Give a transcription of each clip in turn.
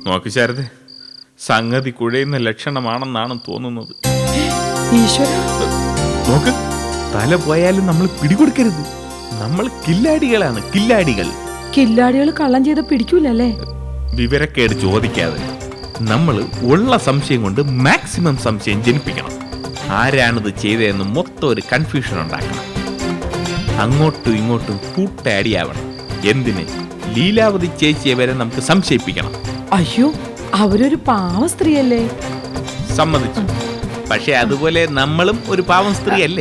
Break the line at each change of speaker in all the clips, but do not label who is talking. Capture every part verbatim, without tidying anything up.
നോക്ക് ശാരദ, സംഗതി കുഴയുന്ന ലക്ഷണമാണെന്നാണ് തോന്നുന്നത്. നോക്ക്, തല പോയാലും നമ്മൾ പിടികൊടുക്കരുത്. നമ്മൾ കില്ലാടികളാണ്, കില്ലാടികൾ.
കില്ലാടികൾ കള്ളം ചെയ്ത് പിടിക്കൂലല്ലേ?
വിവരക്കേട് ചോദിക്കാതെ നമ്മൾ ഉള്ള സംശയം കൊണ്ട് മാക്സിമം സംശയം ജനിപ്പിക്കണം. ആരാണിത് ചെയ്തതെന്ന് മൊത്തം ഒരു കൺഫ്യൂഷൻ ഉണ്ടാക്കണം. അങ്ങോട്ടും ഇങ്ങോട്ടും കൂട്ടടിയാവണം. എന്തിന്? ലീലാവതി ചേച്ചിയെ വരെ നമുക്ക് സംശയിപ്പിക്കണം.
അയ്യോ, അവരൊരു പാവ സ്ത്രീയല്ലേ?
സമ്മതിച്ചു. പക്ഷെ അതുപോലെ നമ്മളും ഒരു പാവം സ്ത്രീ അല്ലേ?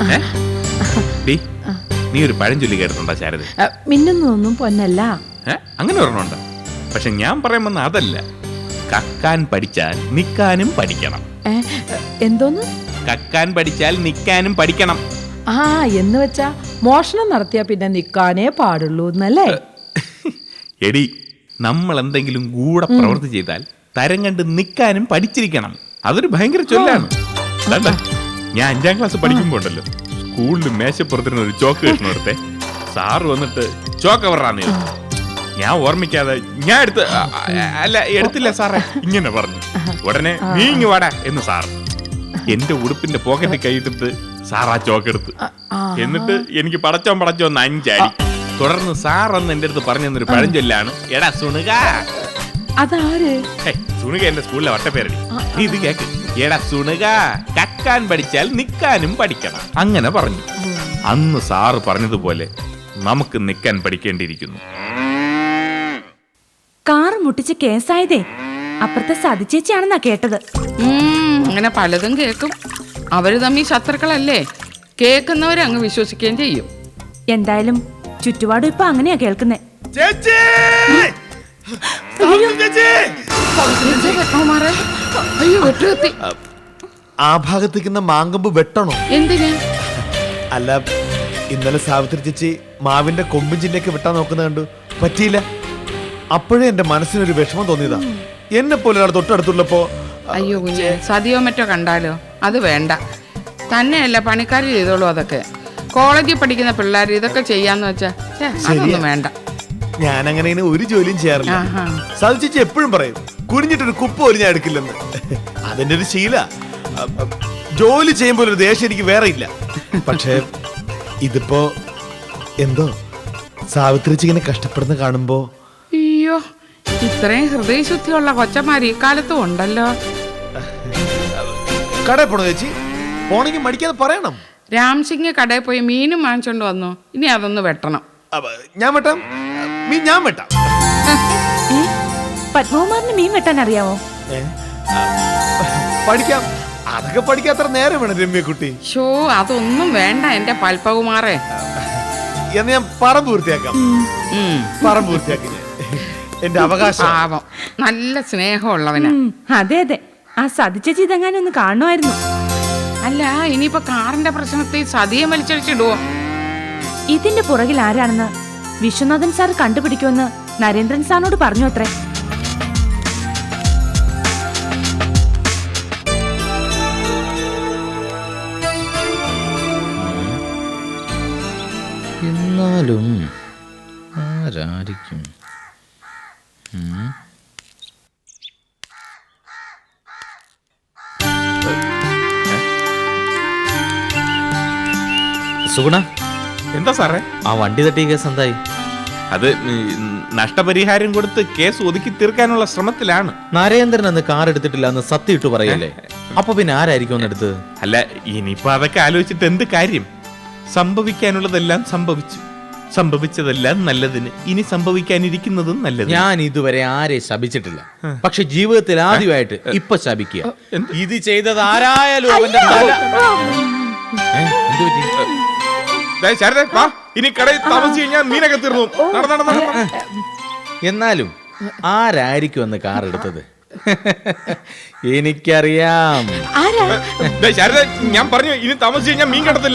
നീ ഒരു പഴഞ്ചൊല്ലി കേട്ടിട്ടുണ്ടോ ശാരദ?
മിന്നുന്നൊന്നും പൊന്നല്ല.
അങ്ങനെ പറഞ്ഞുണ്ടോ? പക്ഷെ ഞാൻ പറയാൻ വന്ന അതല്ല. കക്കാൻ പഠിച്ചാൽ നിക്കാനും പഠിക്കണം.
എന്തോന്ന്?
കക്കാൻ പഠിച്ചാൽ നിക്കാനും പഠിക്കണം.
ആ, എന്ന് വെച്ചാ മോഷണം നടത്തിയാ പിന്നെ നിക്കാനേ പാടുള്ളൂ എന്നല്ലേ?
എടി, നമ്മൾ എന്തെങ്കിലും കൂടെ പ്രവൃത്തി ചെയ്താൽ തരം കണ്ട് നിക്കാനും പഠിച്ചിരിക്കണം. അതൊരു ഭയങ്കര ചൊല്ലാണ്. ഞാൻ അഞ്ചാം ക്ലാസ് പഠിക്കുമ്പോ ഉണ്ടല്ലോ, സ്കൂളിൽ മേശപ്പുറത്തിരുന്ന ഒരു ചോക്ക് കഷ്ണം എടുത്തേ. സാറ് വന്നിട്ട് ചോക്ക് എവറാന്ന് ചോദിച്ചു. ഞാൻ ഓർമ്മിക്കാതെ ഞാൻ എടുത്ത് അല്ല എടുത്തില്ല സാറേ ഇങ്ങനെ പറഞ്ഞു. ഉടനെ നീ ഇങ്ങ് വാടാ എന്ന് സാർ എന്റെ ഉടുപ്പിന്റെ പോക്കറ്റിൽ കൈയിട്ടിട്ട് സാർ ആ ചോക്കെടുത്ത്. എന്നിട്ട് എനിക്ക് പടച്ചോൻ പടച്ചോന്ന് അഞ്ചടി. തുടർന്ന് സാർ എന്ന് എന്റെ അടുത്ത് പറഞ്ഞു തന്നൊരു പഴഞ്ചൊല്ലാണ്, എടാ സുണുക.
അതാര്?
സുണുക എന്റെ സ്കൂളിലെ വട്ടപ്പേരടി. നീ ഇത് കേക്ക്. എടാ സുണുക, കക്കാൻ പഠിച്ചാൽ നിക്കാനും പഠിക്കണം. അങ്ങനെ പറഞ്ഞു. അന്ന് സാറ് പറഞ്ഞതുപോലെ നമുക്ക് നിക്കാൻ പഠിക്കേണ്ടിയിരിക്കുന്നു.
കാറ് മുട്ടിച്ച് കേസായതേ അപ്പുറത്തെ സതിച്ചേച്ചിയാണെന്നാ കേട്ടത്.
അങ്ങനെ പലതും കേൾക്കും. അവര് തമ്മിൽ ശത്രുക്കളല്ലേ? കേൾക്കുന്നവരെ അങ്ങ് വിശ്വസിക്കുകയും ചെയ്യും.
എന്തായാലും ചുറ്റുപാടും ഇപ്പൊ അങ്ങനെയാ കേൾക്കുന്നേ.
ആ ഭാഗത്തേക്കുന്ന മാങ്കമ്പ് വെട്ടണോ?
എന്തിന്?
അല്ല, ഇന്നലെ സാവിത്രി ചേച്ചി മാവിന്റെ കൊമ്പും ചില്ലയൊക്കെ വെട്ടാൻ നോക്കുന്ന കണ്ടു. പറ്റിയില്ല. അപ്പോഴേ എന്റെ മനസ്സിനൊരു വിഷമം തോന്നിയതാ. എന്നെ പോലെ ഒരാൾ തൊട്ടടുത്തുള്ളപ്പോ.
അയ്യോ കുഞ്ഞെ, സതിയോ മറ്റോ കണ്ടാലോ? അത് വേണ്ട. തന്നെയല്ല, പണിക്കാർ ചെയ്തോളൂ അതൊക്കെ. കോളേജിൽ പഠിക്കുന്ന പിള്ളേർ ഇതൊക്കെ ചെയ്യാന്ന് വെച്ചാ അതൊന്നും വേണ്ട.
ഞാൻ അങ്ങനെ ഒരു ജോലിയും ചെയ്യാറില്ല. സാവി ചേച്ചി എപ്പോഴും പറയും കുനിഞ്ഞിട്ടൊരു കുപ്പ പോലും ഞാൻ എടുക്കില്ലെന്ന്. അതെന്റെ ഒരു ശീല. ജോലി ചെയ്യുമ്പോൾ ഒരു ദേഷ്യം എനിക്ക് വേറെ ഇല്ല. പക്ഷേ ഇതിപ്പോ എന്തോ സാവിത്രിച്ച് ഇങ്ങനെ കഷ്ടപ്പെടുന്ന കാണുമ്പോ.
അയ്യോ, ഇത്രയും ഹൃദയശുദ്ധിയുള്ള കൊച്ചമാര് ഈ കാലത്തും ഉണ്ടല്ലോ.
കടയിൽ പോണോ ചേച്ചി? പോണെങ്കിൽ മടിക്കാതെ പറയണം.
രാംസിംഗ് കടയിൽ പോയി മീനും വാങ്ങിച്ചോണ്ട് വന്നു. ഇനി അതൊന്ന് വെട്ടണം.
ഞാൻ വെട്ടാം. മീൻ ഞാൻ വെട്ടാം.
പത്മകുമാറിന് മീൻ വെട്ടാൻ അറിയാവോ?
പഠിക്കാം. അതൊക്കെ പഠിക്കാൻ അത്ര നേരം വേണം രമ്യക്കുട്ടി.
ഷോ, അതൊന്നും വേണ്ട എന്റെ പൽപ്പകുമാറേ.
എന്ന് ഞാൻ പറമ്പ് പൂർത്തിയാക്കാം. പറമ്പ് പൂർത്തിയാക്കി എന്റെ അവകാശം.
പാവം, നല്ല സ്നേഹമുള്ളവനാ.
അതെ അതെ, ആ സതിച്ചേച്ചി ഇതെങ്ങാനും ഒന്ന് കാണുമായിരുന്നു.
അല്ല, ഇനിയിപ്പോ കാറിന്റെ പ്രശ്നത്തിൽ സതിയെ വലിച്ചടിച്ചിടുവോ?
ഇതിന്റെ പുറകിൽ ആരാണെന്ന് വിശ്വനാഥൻ സാർ കണ്ടുപിടിക്കുമെന്ന് നരേന്ദ്രൻ സാറിനോട് പറഞ്ഞു അത്രേ.
എന്നാലും ആരായിരിക്കും?
സുഗുണ, എന്താ സാറേ?
ആ വണ്ടി തട്ടിയ കേസ് എന്തായി?
അത് നഷ്ടപരിഹാരം കൊടുത്ത് കേസ് ഒതുക്കി തീർക്കാനുള്ള ശ്രമത്തിലാണ്.
നരേന്ദ്രൻ അന്ന് കാർ എടുത്തിട്ടില്ല എന്ന് സത്യം ഇട്ടു പറയല്ലേ? അപ്പൊ പിന്നെ ആരായിരിക്കും ഒന്ന് എടുത്തത്?
അല്ല, ഇനിയിപ്പോ അതൊക്കെ ആലോചിച്ചിട്ട് എന്ത് കാര്യം? സംഭവിക്കാനുള്ളതെല്ലാം സംഭവിച്ചു. സംഭവിച്ചതെല്ലാം നല്ലതിന്. ഇനി സംഭവിക്കാനിരിക്കുന്നതും നല്ലത്.
ഞാൻ ഇതുവരെ ആരെ ശപിച്ചിട്ടില്ല. പക്ഷെ ജീവിതത്തിൽ ആദ്യമായിട്ട് ഇപ്പൊ ശപിക്കുക. ഇത് ചെയ്തത് ആരായാലും അവന്റെ തല. എന്ത് പറ്റി?
ഇനി കടയിൽ താമസിച്ച് കഴിഞ്ഞാൽ മീനൊക്കെ തീർന്നു.
എന്നാലും ആരായിരിക്കും അന്ന് കാർ എടുത്തത്? എനിക്കറിയാം.
ഞാൻ പറഞ്ഞു ഇനി താമസിച്ച് കഴിഞ്ഞാൽ മീൻ കിടത്തില്ല.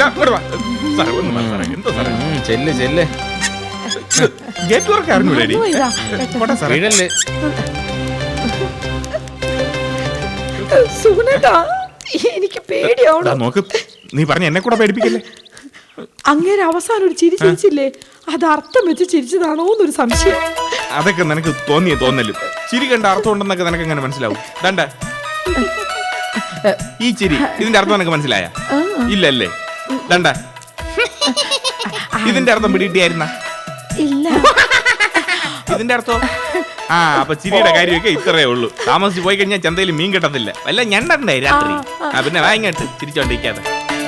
ചെല്ല് ചെല്ല്.
ഗേറ്റ് വർക്ക് അറിഞ്ഞൂടെ?
സുഗുണേട്ടാ, എനിക്ക് പേടിയാവണം.
നോക്ക്, നീ പറഞ്ഞ എന്നെ കൂടെ പേടിപ്പിക്കല്ലേ.
അങ്ങേരെ അവസാനം ഒരു ചിരി ചിരിച്ചില്ലേ, അത് അർത്ഥം വെച്ച് ചിരിച്ചതാണോ എന്നൊരു സംശയം.
അതൊക്കെ നിനക്ക് തോന്നിയ തോന്നലും. ചിരി കണ്ട അർത്ഥം ഉണ്ടെന്നൊക്കെ നിനക്ക് എങ്ങനെ മനസ്സിലാവും? ദണ്ട ഈ ചിരി, ഇതിന്റെ അർത്ഥം നിനക്ക് മനസ്സിലായ? ഇല്ലല്ലേ? ദണ്ട ഇതിന്റെ അർത്ഥം പിടികിട്ടിയായിരുന്ന?
ഇല്ല.
ഇതിന്റെ അർത്ഥം ആ അപ്പൊ ചിരിയുടെ കാര്യമൊക്കെ ഇത്രയേ ഉള്ളൂ. താമസിച്ച് പോയി കഴിഞ്ഞാൽ ചന്തയിൽ മീൻ കിട്ടത്തില്ല. വല്ല ഞണ്ടണ്ടേ രാത്രി. ആ പിന്നെ വാങ്ങിട്ട് ചിരിച്ചോണ്ടിരിക്കാതെ.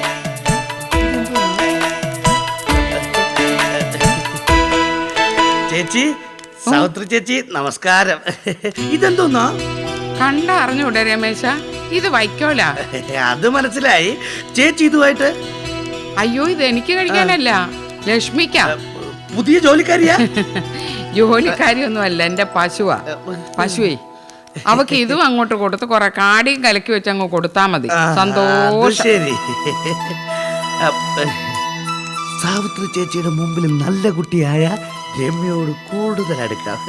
ചേച്ചി, സാവിത്രി ചേച്ചി, നമസ്കാരം. ഇതെന്തോന്നാ?
കണ്ട അറിഞ്ഞൂടെ രമേശ, ഇത് വൈക്കോല.
അത് മനസ്സിലായി. ചേച്ചി ഇതുമായിട്ട്
അയ്യോ, ഇത് എനിക്ക് കഴിക്കാനല്ല, ലക്ഷ്മിക്കാ.
പുതിയ ജോലിക്കാരിയാ?
ജോലിക്കാരിയൊന്നും അല്ല, എന്റെ പശുവാ. പശുവേ, അവക്ക് ഇതും അങ്ങോട്ട് കൊടുത്ത് കുറെ കാടിയും കലക്കി വെച്ച് അങ്ങ് കൊടുത്താ മതി.
ആ, അത്
സന്തോഷം.
ശരി. അപ്പ, സാവിത്രി ചേച്ചിയുടെ മുമ്പിൽ നല്ല കുട്ടിയായ രമ്യയോട് കൂടുതൽ അടുക്കാം.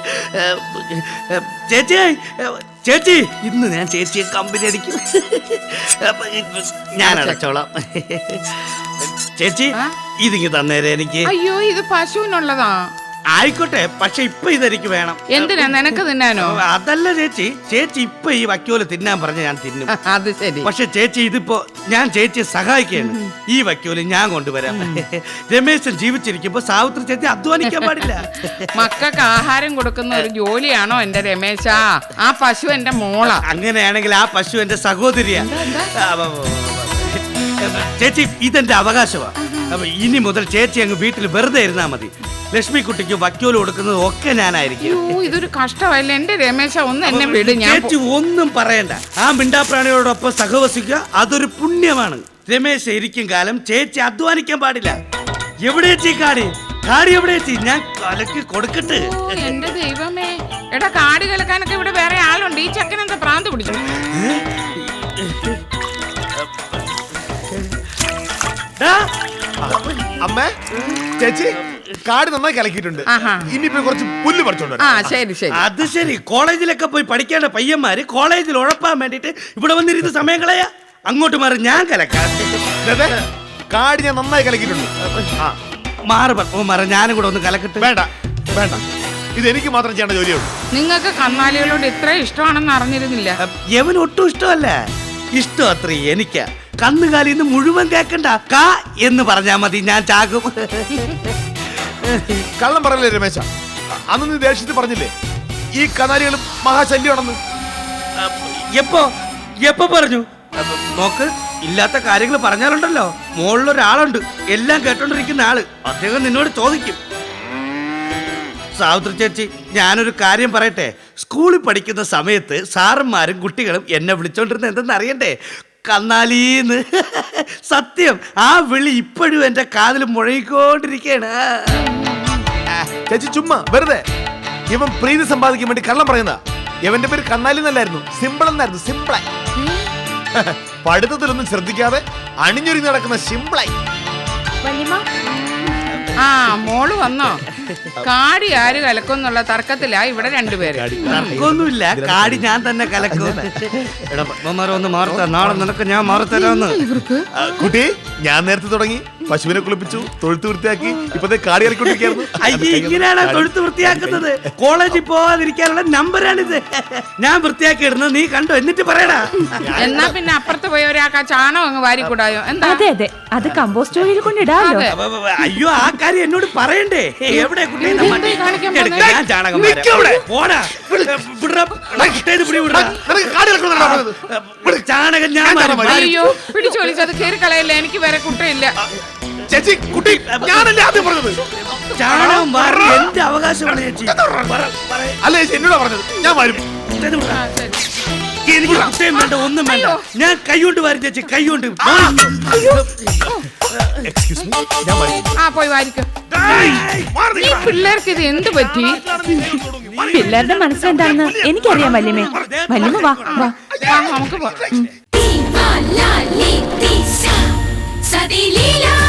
ചേച്ചി, ചേച്ചി, ഇന്ന് ഞാൻ ചേച്ചിയെ കമ്പനി അടിക്കും. അപ്പ, ഞാൻ അടച്ചോളാം. ചേച്ചി,
ആ?
ഇതിങ്ങ് തന്നേരെ എനിക്ക്.
അയ്യോ, ഇത് പശുവിനുള്ളതാ.
ആയിക്കോട്ടെ, പക്ഷെ ഇപ്പൊ ഇതെനിക്ക് വേണം.
എന്തിനാ, നിനക്ക് തിന്നാനോ?
അതല്ല ചേച്ചി, ചേച്ചി ഇപ്പൊ ഈ വക്കോല് തിന്നാൻ പറഞ്ഞ ഞാൻ തിന്നും.
അത് ശരി.
പക്ഷെ ചേച്ചി ഇതിപ്പോ ഞാൻ ചേച്ചിയെ സഹായിക്കുകയാണ്. ഈ വക്കോല് ഞാൻ കൊണ്ടുവരാം. രമേശൻ ജീവിച്ചിരിക്കുമ്പോ സാവിത്രി ചേച്ചി അധ്വാനിക്കാൻ പാടില്ല.
മക്കൾക്ക് ആഹാരം കൊടുക്കുന്ന ഒരു ജോലിയാണോ എന്റെ രമേശ? ആ പശു എന്റെ മോളാ.
അങ്ങനെയാണെങ്കിൽ ആ പശു എന്റെ സഹോദരിയാ. ആ, വ, വ, വ. ചേച്ചി, ഇതെന്റെ അവകാശമാ. അപ്പൊ ഇനി മുതൽ ചേച്ചി അങ്ങ് വീട്ടിൽ വെറുതെ ഇരുന്നാ മതി. ലക്ഷ്മി കുട്ടിക്ക് വക്കോല് കൊടുക്കുന്നത് ഒക്കെ ഞാനായിരിക്കും.
അയ്യോ, ഇതൊരു കഷ്ടമല്ല എന്റെ രമേശ. ഒന്ന് എന്നെ വിട്. ഞാൻ
ചേച്ചി ഒന്നും പറയണ്ട. ആ മിണ്ടാപ്രാണിയോടൊപ്പം സഹവസിക്കുക അതൊരു പുണ്യമാണ്. രമേശ് ഇരിക്കും കാലം ചേച്ചി അധ്വാനിക്കാൻ പാടില്ല. എവിടെ ചേച്ചി കാടി? കാടി എവിടെ ചേച്ചി? ഞാൻ കലക്ക് കൊടുക്കട്ടെ.
ഓ, എന്റെ ദൈവമേ. എടാ, കാട് കലക്കാനൊക്കെ ഇവിടെ വേറെ ആളുണ്ട്. ഈ ചക്കൻ എന്താ പ്രാന്ത് പിടിച്ചു?
ഡാ,
അമ്മ, ചേച്ചി കാട് നന്നായി കലക്കിയിട്ടുണ്ട്.
ആഹാ.
ഇനിയിപ്പോ കുറച്ച് പുല്ല് പറിച്ചോണ്ട്
ആ
വരാം.
ശരി ശരി.
അത് ശരി. കോളേജിലൊക്കെ പോയി പഠിക്കേണ്ട പയ്യന്മാര് കോളേജിൽ ഉഴപ്പാൻ വേണ്ടിട്ട് ഇവിടെ വന്നിരുന്ന് സമയം കളയാ. അങ്ങോട്ട് മാറി, ഞാൻ കലക്കാം.
ദേ, ദേ, കാട് ഞാൻ നന്നായി കലക്കിയിട്ടുണ്ട്. ആ,
മാറി ഓ മാറ, ഞാനും കൂടെ ഒന്ന് കലക്കട്ടെ.
വേണ്ട വേണ്ട, ഇത് എനിക്ക് മാത്രം ചെയ്യേണ്ട ജോലിയുള്ളൂ.
നിങ്ങൾക്ക് കന്നാലികളോട് ഇത്ര ഇഷ്ടമാണെന്ന് അറിഞ്ഞിരുന്നില്ല.
യവൻ ഒട്ടും ഇഷ്ടമല്ല. ഇഷ്ടം അത്ര എനിക്കാ. കന്നുകാലിന്ന് മുഴുവൻ കേക്കണ്ട, കാ എന്ന് പറഞ്ഞാ മതി, ഞാൻ ചാകും.
കള്ളം പറയല്ലേ രമേശ? അന്ന് നീ ദേഷ്യത്തിൽ പറഞ്ഞില്ലേ ഈ കനാലികൾ മഹാശല്യമാണെന്ന്?
എപ്പോ എപ്പോ പറഞ്ഞു? അപ്പൊ നോക്ക്, ഇല്ലാത്ത കാര്യങ്ങൾ പറഞ്ഞാലുണ്ടല്ലോ, മുകളിലൊരാളുണ്ട് എല്ലാം കേട്ടോണ്ടിരിക്കുന്ന ആള്. അദ്ദേഹം നിന്നോട് ചോദിക്കും. സാവിത്രി ചേച്ചി, ഞാനൊരു കാര്യം പറയട്ടെ. സ്കൂളിൽ പഠിക്കുന്ന സമയത്ത് സാറന്മാരും കുട്ടികളും എന്നെ വിളിച്ചോണ്ടിരുന്ന എന്തെന്ന് അറിയണ്ടേ? കന്നാലീന്ന്. സത്യം, ആ വിളി ഇപ്പോഴും എന്റെ കാതിൽ മുഴങ്ങിക്കൊണ്ടിരിക്കയാണ്.
ചേച്ചി ചുമ്മാ വെറുതെ ഇവൻ പ്രീതി സമ്പാദിക്കാൻ വേണ്ടി കള്ളം പറയുന്ന. ഇവന്റെ പേര് കന്നാലി എന്നല്ലായിരുന്നു, സിമ്പിൾ എന്നായിരുന്നു. സിമ്പിളായി പഠിത്തത്തിലൊന്നും ശ്രദ്ധിക്കാതെ അണിഞ്ഞൊരുങ്ങി നടക്കുന്ന സിമ്പിളായി.
ആ, മോള് വന്നോ? കാടി ആര് കലക്കുന്നുള്ള തർക്കത്തിലാ ഇവിടെ രണ്ടുപേര്.
തർക്കമൊന്നുമില്ല, കാടി ഞാൻ തന്നെ കലക്കും. എടാ പത്മമാരെ ഒന്ന് മാറത്ത, നാളെ നിനക്ക് ഞാൻ മാറത്തരാന്ന്.
ആ, കുട്ടി, ഞാൻ നേരത്തെ തുടങ്ങി. പശുവിനെ കുളിപ്പിച്ചു, തൊഴുത്ത് വൃത്തിയാക്കി, ഇപ്പത്തെ കാടി കളിക്കൊണ്ടിരിക്കുന്നു.
അയ്യ, ഇങ്ങനെയാണ് തൊഴുത്ത് വൃത്തിയാക്കുന്നത്. കോളേജിൽ പോവാതിരിക്കാനുള്ള നമ്പറാണിത്. ഞാൻ വൃത്തിയാക്കി ഇടുന്നത് നീ കണ്ടോ? എന്നിട്ട് പറയടാ.
എന്നാ പിന്നെ അപ്പുറത്ത് പോയി ഒരാൾക്ക് ആ ചാണകം അങ്ങ് വാരിക്കൂടായോ? എന്താ?
അതെ അതെ, അത് കമ്പോസ്റ്റ് ഓയിൽ കൊണ്ടിടാമല്ലോ.
അതെ.
അപ്പൊ, അപ്പൊ, അയ്യോ, ആ കാര്യം എന്നോട് പറയണ്ടേ? എവിടെ കുട്ടി?
എന്താ ഈ കാണിക്കാൻ
എടുക്ക്,
പോകുന്നത്?
ഞാൻ ചാണകം വാരാം. പോടാ. വിടറാ. എടാ, കുട്ടീനെ പിടി, വിടറാ.
നിനക്ക് കാടി കളിക്കണമെന്നാണോ പറഞ്ഞത്?
ചാണകം ഞാൻ വാരും.
അയ്യോ, പിടിച്ചു വലിച്ചത് കയറി കളയല്ലേ, എനിക്ക് വേറെ കുട്ടയില്ല.
ചേച്ചി, കുട്ടി, ഞാനല്ലേ ആദ്യം പറഞ്ഞത്?
ചാണകം വാരി എന്റെ അവകാശമാണ് ചേച്ചി. പറ- പറ-
അല്ല ചേച്ചി, എന്നോടാ പറഞ്ഞത്. ഞാൻ വരും.
കുട്ടീനെ വിടറാ.
ആ, ശരി.
എനിക്ക് കുട്ടയും വേണ്ട, ഒന്നും വേണ്ട. ഞാൻ കൈകൊണ്ട് വാരി ചേച്ചി, കൈകൊണ്ട്.
എക്സ്ക്യൂസ് മീ, ഞാൻ വരും.
ആ, പോയി വാരിക്കോ.
മാറി
ഈ പിള്ളേർക്ക് ഇത് എന്ത് പറ്റി?
പിള്ളേരുടെ മനസ്സെന്താണെന്ന് എനിക്കറിയാം വല്യമ്മേ. വല്യമ്മ വാ വാ.
ആ, നമുക്ക് പോ.
Viva la leticia, sa di lila.